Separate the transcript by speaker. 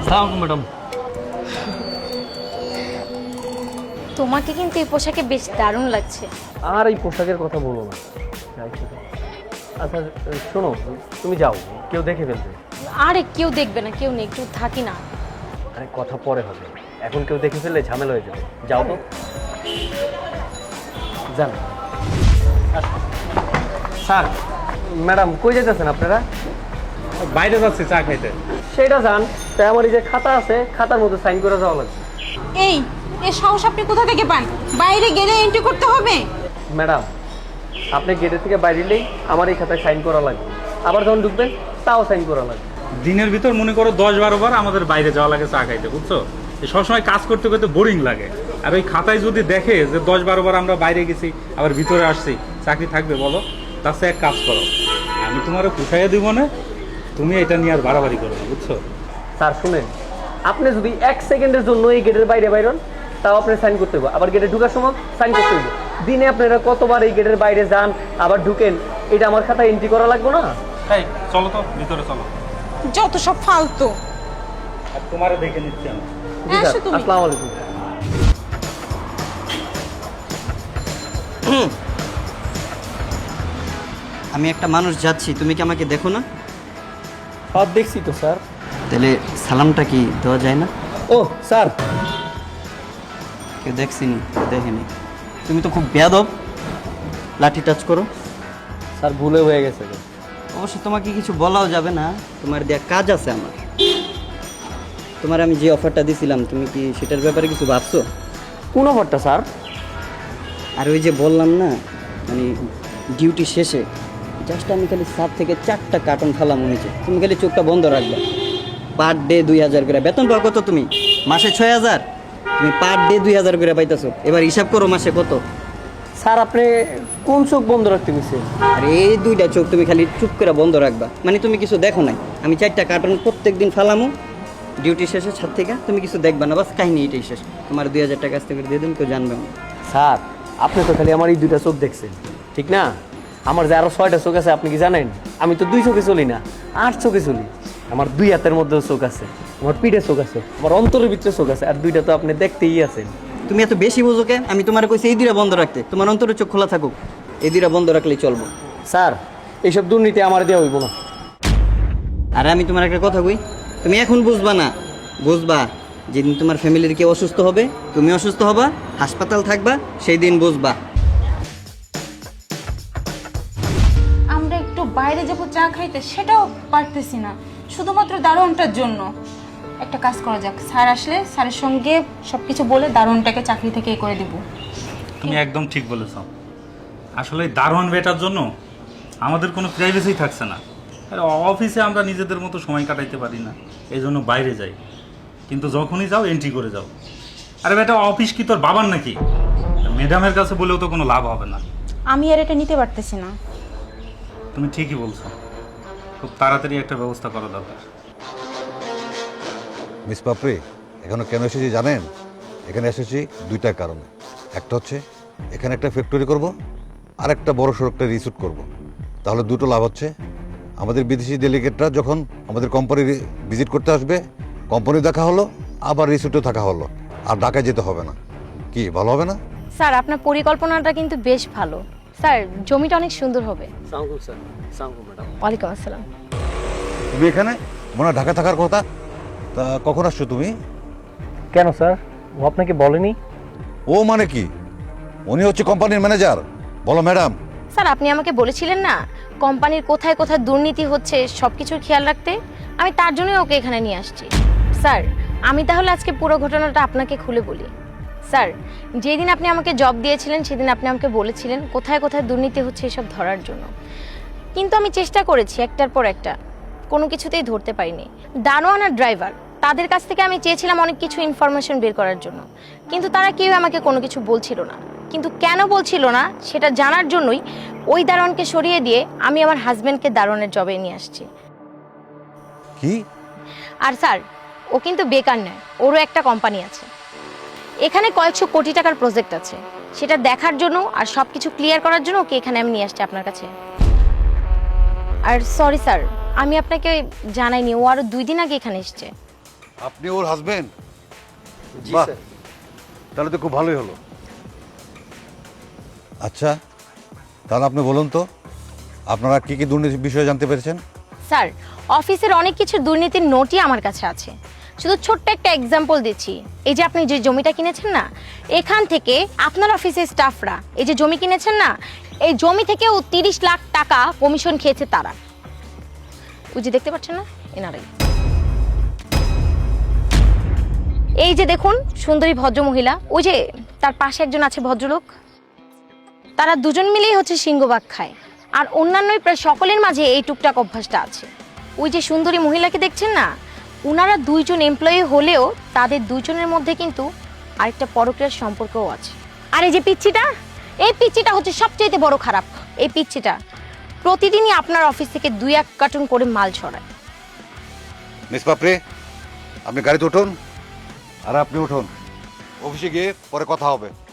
Speaker 1: আসসালামু ম্যাডাম।
Speaker 2: তোমাকে কিন্তু এই পোশাকে বেশ দারুণ লাগছে।
Speaker 1: আর এই পোশাকের কথা বলো না। আচ্ছা শোনো, তুমি যাও, কেউ দেখে ফেলবে।
Speaker 2: আরে কেউ দেখবে না, কেউ নেই, একটু থাকি না।
Speaker 1: আরে কথা পরে হবে, এখন কেউ দেখে ফেললে ঝামেলা হয়ে যাবে। যাও তো, যান। স্যার, ম্যাডাম কই যেতেছেন আপনারা?
Speaker 3: বাইরে যাচ্ছে চা খাইতে।
Speaker 1: সেটা যান, তাই আমার এই যে খাতা আছে, খাতার মধ্যে সাইন করে যাওয়া লাগবে।
Speaker 4: এই এ সাহস আপনি কোথা থেকে পান? বাইরে গেলে এন্ট্রি করতে হবে।
Speaker 1: ম্যাডাম, আপনি গেটের থেকে বাইরে এলেই আমার এই খাতায় সাইন করা লাগবে, আবার যখন ঢুকবেন তাও সাইন করা লাগবে।
Speaker 3: দিনের ভিতর মনে করো 10-12 বার আমাদের বাইরে যাওয়া লাগে চা খাইতে, বুঝছো? সবসময় কাজ করতে করতে বোরিং লাগে। আর ওই খাতায় যদি দেখে যে 10-12 বার আমরা বাইরে গেছি আবার ভিতরে আসছি, চাকরি থাকবে বলো? তার সাথে এক কাজ করো, আমি তোমার পুষাইয়া দিব না, তুমি এটা নিয়ে আর বাড়াবাড়ি করো না, বুঝছো?
Speaker 1: স্যার শুনেন, আপনি যদি 1 সেকেন্ডের জন্য এই গেটের বাইরে বাইরন, তাও আপনি সাইন করতে হবে, আবার গেটে ঢুকার সময় সাইন করতে হবে। দিনে আপনারা কতবার এই গেটের বাইরে যান আবার ঢুকেন, এটা আমার খাতায় এন্ট্রি করা লাগবে না?
Speaker 3: এই চলো তো ভিতরে চলো,
Speaker 4: যত সব ফালতু।
Speaker 3: আর তোমারও দেখে নিচ্ছি আমি।
Speaker 1: জি স্যার,
Speaker 4: আসো তুমি।
Speaker 1: আসসালামু আলাইকুম।
Speaker 5: আমি একটা মানুষ যাচ্ছি, তুমি কি আমাকে দেখো না?
Speaker 1: সব দেখছি তো স্যার।
Speaker 5: তাহলে সালামটা কি দেওয়া যায় না?
Speaker 1: ও স্যার,
Speaker 5: কেউ দেখছিনি, কেউ দেখেনি। তুমি তো খুব বেয়াদব, লাঠি টাচ করো।
Speaker 1: স্যার ভুলে হয়ে গেছে।
Speaker 5: অবশ্য তোমাকে কিছু বলাও যাবে না, তোমার দেয়া কাজ আছে আমার। তোমার আমি যে অফারটা দিছিলাম, তুমি কি সেটার ব্যাপারে কিছু ভাবছো?
Speaker 1: কোন অফারটা স্যার?
Speaker 5: আর ওই যে বললাম না, মানে ডিউটি শেষে জাস্ট আমি খালি 7 থেকে 4টা কার্টন খালাম নিচে, তুমি খালি চোখটা বন্ধ রাখবে। পার ডে 2000 করে বেতন পাও। কত তুমি? মাসে 6000। তুমি পার ডে 2000 করে পাইতেছো। এবার হিসাব করো মাসে কত।
Speaker 1: স্যার আপনি কোন চোখ বন্ধ রাখতে গেছেন?
Speaker 5: আর এই 2টা চোখ তুমি খালি চুপ করে বন্ধ রাখবা, মানে তুমি কিছু দেখো নাই। আমি 4টা কার্টন প্রত্যেক দিন ফালামু ডিউটি শেষে ছাদ থেকে, তুমি কিছু দেখবা না, বাস কাহিনী এটাই শেষ। তোমার 2000 টাকা আসতে করে দিয়ে দিন, কেউ জানবে না।
Speaker 1: স্যার আপনি তো খালি আমার এই 2টা চোখ দেখছেন, ঠিক না? আমার যে আরো 6টা চোখ আছে আপনি কি জানেন? আমি তো 2 চোখে চলি না, 8 চোখে চলি। আমার 2 হাতের মধ্যেও চোখ আছে, আমার পিঠে চোখ আছে, আমার অন্তরের ভিতরে চোখ আছে, আর 2টা তো আপনি দেখতেই আছেন।
Speaker 5: তুমি এত বেশি বুঝো কে? আমি তোমার কইছি এই 2টা বন্ধ রাখতে, তোমার অন্তরের চোখ খোলা থাকুক। এই 2টা বন্ধ রাখলেই চলবো।
Speaker 1: স্যার এইসব দুর্নীতি আমার দেওয়া হইব না।
Speaker 5: আর আমি তোমার একটা কথা কই, তুমি এখন বুঝবা না, বুঝবা যেদিন তোমার ফ্যামিলির কেউ অসুস্থ হবে, তুমি অসুস্থ হবা, হাসপাতাল থাকবা, সেই দিন বুঝবা।
Speaker 4: আমরা একটু বাইরে যাবো চা খাইতে, সেটাও পারতেছি না, শুধুমাত্র দারোয়ানটার জন্য। একটা কাজ করা যাক, স্যার আসলে স্যারের সঙ্গে সবকিছু বলে দারোয়ানটাকে চাকরি থেকে এ করে দেবো।
Speaker 3: তুমি একদম ঠিক বলেছ। আসলে দারোয়ান বেটার জন্য আমাদের কোনো প্রাইভেসি থাকছে না। আর অফিসে আমরা নিজেদের মতো সময় কাটাইতে পারি না, এই জন্য বাইরে যাই। কিন্তু যখনই যাও এন্ট্রি করে যাও। আরে বেটা, অফিস কি তোর বাবার নাকি? ম্যাডামের কাছে বলেও তো কোনো লাভ হবে না।
Speaker 4: আমি আর এটা নিতে পারতেছি না।
Speaker 3: তুমি ঠিকই বলছো, খুব তাড়াতাড়ি একটা ব্যবস্থা করা দরকার।
Speaker 6: মিস পাপড়ি, এখানে কেন এসেছি জানেন? এখানে এসেছি 2টা কারণে। একটা হচ্ছে এখানে একটা ফ্যাক্টরি করব, আর একটা বড় সড়ো একটা রিসোর্ট করব। তাহলে দুটো লাভ হচ্ছে। আমাদের বিদেশি ডেলিগেটরা যখন আমাদের কোম্পানি ভিজিট করতে আসবে, কোম্পানি দেখা হলো, আবার রিসোর্টেও থাকা হলো, আর ঢাকায় যেতে হবে না। কি ভালো হবে না?
Speaker 2: স্যার আপনার পরিকল্পনাটা কিন্তু বেশ ভালো। স্যার জমিটা অনেক সুন্দর হবে।
Speaker 1: সালামু স্যার। সালামু ম্যাডাম।
Speaker 2: ওয়ালাইকুম আসসালাম।
Speaker 6: তুমি এখানে মনে হয় ঢাকা থাকার কথা, তা কখন আসছো তুমি?
Speaker 1: কেন স্যার, ও আপনাকে বলেনি?
Speaker 6: ও মানে কি? উনি হচ্ছে কোম্পানির ম্যানেজার। বলো ম্যাডাম।
Speaker 2: স্যার আপনি আমাকে বলেছিলেন না কোম্পানির কোথায় কোথায় দুর্নীতি হচ্ছে সব কিছুর খেয়াল রাখতে, আমি তার জন্যই ওকে এখানে নিয়ে আসছি। স্যার আমি তাহলে আজকে পুরো ঘটনাটা আপনাকে খুলে বলি। স্যার যেদিন আপনি আমাকে জব দিয়েছিলেন সেদিন আপনি আমাকে বলেছিলেন কোথায় কোথায় দুর্নীতি হচ্ছে এসব ধরার জন্য, কিন্তু আমি চেষ্টা করেছি একটার পর একটা, কোনো কিছুতেই ধরতে পারিনি। দারোয়ান আর ড্রাইভার তাদের কাছ থেকে আমি চেয়েছিলাম অনেক কিছু ইনফরমেশন বের করার জন্য, কিন্তু তারা কেউ আমাকে কোনো কিছু বলছিল না। কিন্তু কেন বলছিল না সেটা জানার জন্যই ওই দারোয়ানকে সরিয়ে দিয়ে আমি আমার হাজবেন্ডকে দারোয়ানের জবে নিয়ে আসছি।
Speaker 6: কি?
Speaker 2: আর স্যার ও কিন্তু বেকার নয়, ওরও একটা কোম্পানি আছে, এখানে কয়েকশো কোটি টাকার প্রজেক্ট আছে, সেটা দেখার জন্য আর সব কিছু ক্লিয়ার করার জন্য ওকে এখানে আমি নিয়ে আসছি আপনার কাছে। আর সরি স্যার, আমি আপনাকে জানাইনি, ও আরও 2 দিন আগে এখানে এসছে।
Speaker 6: আপনি ওর হাজবেন্ড?
Speaker 1: জি
Speaker 6: বাহ,
Speaker 1: স্যার।
Speaker 6: তাহলে তো খুব ভালোই হলো। আচ্ছা, তাহলে আপনি বলুন তো আপনারা কি কি দুর্নীতির বিষয়ে জানতে পেরেছেন?
Speaker 2: স্যার, অফিসের অনেক কিছু দুর্নীতির নোটই আমার কাছে আছে। শুধু ছোট্ট একটা এক্সাম্পল দিচ্ছি। এই যে আপনি যে জমিটা কিনেছেন না, এখান থেকে আপনার অফিসের স্টাফরা এই যে জমি কিনেছেন না, এই জমি থেকেও 30 লাখ টাকা কমিশন খেয়েছে তারা। ওই যে দেখতে পাচ্ছেন না, এনারাই। এই যে দেখুন সুন্দরী ভদ্র মহিলা, ওই যে তার পাশে একজন আছে ভদ্রলোক, তারা দুজন মিলেই হচ্ছে সিংহভাগ খায়। আর অন্যান্য প্রায় সকলের মাঝে এই টুকটাক অভ্যাসটা আছে। ওই যে সুন্দরী মহিলাকে দেখছেন না, ওনারা দুইজন এমপ্লয়ি হলেও তাদের দুজনের মধ্যে কিন্তু আরেকটা পরকীয়ার সম্পর্কও আছে। আর এই যে পিচ্চিটা, এই পিচ্চিটা হচ্ছে সবচেয়ে বড় খারাপ। এই পিচ্চিটা প্রতিদিনই আপনার অফিস থেকে 2-1 কার্টুন করে মাল ছড়ায়।
Speaker 6: মিস পাপড়ি, আপনি গাড়িতে উঠুন। আর আপনি উঠুন, অফিসে গিয়ে পরে কথা হবে।